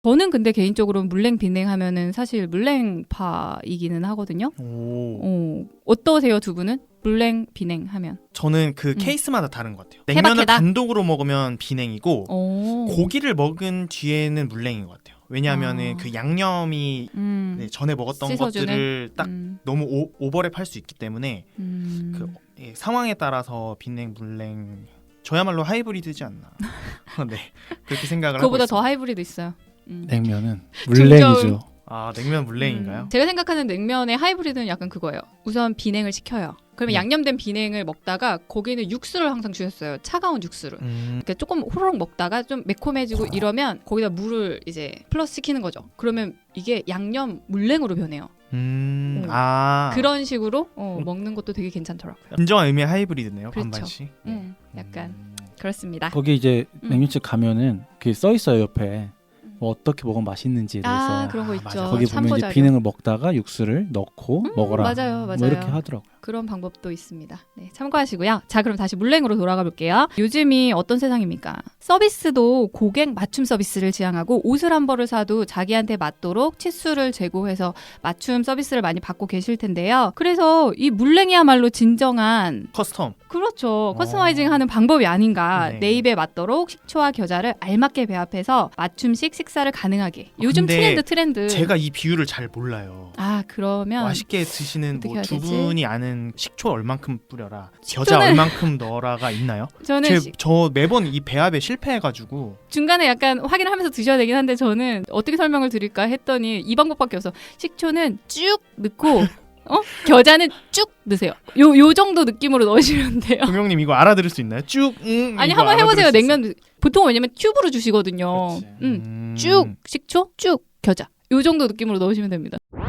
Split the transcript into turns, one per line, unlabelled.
저는 근데 개인적으로 물냉 비냉 하면은 사실 물냉파이기는 하거든요. 어떠세요 두 분은? 물냉 비냉 하면
저는 그 케이스마다 다른 것 같아요. 냉면을
케바케다?
단독으로 먹으면 비냉이고
오.
고기를 먹은 뒤에는 물냉인 것 같아요. 왜냐하면은
아.
그 양념이 네, 전에 먹었던
씻어주는?
것들을 딱 너무 오버랩할 수 있기 때문에 그 상황에 따라서 비냉, 물냉 저야말로 하이브리드지 않나. 네, 그렇게 생각을 하고
그거보다
있습니다.
더 하이브리드 있어요.
냉면은 물냉이죠.
아, 냉면 물냉인가요?
제가 생각하는 냉면의 하이브리드는 약간 그거예요. 우선 비냉을 시켜요. 그러면 양념된 비냉을 먹다가 거기는 육수를 항상 주셨어요. 차가운 육수를. 그러니까 조금 호로록 먹다가 좀 매콤해지고 이러면 거기다 물을 이제 플러스 시키는 거죠. 그러면 이게 양념 물냉으로 변해요.
아,
그런 식으로 먹는 것도 되게 괜찮더라고요.
진정한 의미의 하이브리드네요.
그렇죠.
반반씩.
약간 그렇습니다.
거기 이제 냉면집 가면은 그게 써 있어요 옆에. 뭐 어떻게 먹으면 맛있는지에 대해서.
그런 거 있죠.
맞아.
거기 보면 이제 비냉을 먹다가 육수를 넣고 먹어라.
맞아요.
뭐 이렇게 하더라고요.
그런 방법도 있습니다. 네, 참고하시고요. 자, 그럼 다시 물냉으로 돌아가 볼게요. 요즘이 어떤 세상입니까? 서비스도 고객 맞춤 서비스를 지향하고 옷을 한 벌을 사도 자기한테 맞도록 치수를 재고해서 맞춤 서비스를 많이 받고 계실 텐데요. 그래서 이 물냉이야말로 진정한
커스텀.
그렇죠. 커스터마이징하는 방법이 아닌가.
네.
내 입에 맞도록 식초와 겨자를 알맞게 배합해서 맞춤식 식사를 가능하게. 요즘
근데
트렌드.
제가 이 비율을 잘 몰라요.
그러면
맛있게 드시는
어떻게
뭐
해야
두
되지?
분이 아는 식초 얼만큼 뿌려라, 겨자 얼만큼 넣어라가 있나요?
저는
저 매번 이 배합에 실패해가지고
중간에 약간 확인을 하면서 드셔야 되긴 한데 저는 어떻게 설명을 드릴까 했더니 이 방법밖에 없어. 식초는 쭉 넣고 겨자는 쭉 넣으세요. 요 정도 느낌으로 넣으시면 돼요.
금용님 이거 알아들을 수 있나요? 쭉
아니
이거
한번 해보세요.
알아들을 수 있어요?
냉면 보통 왜냐면 튜브로 주시거든요. 쭉 식초 쭉 겨자 요 정도 느낌으로 넣으시면 됩니다.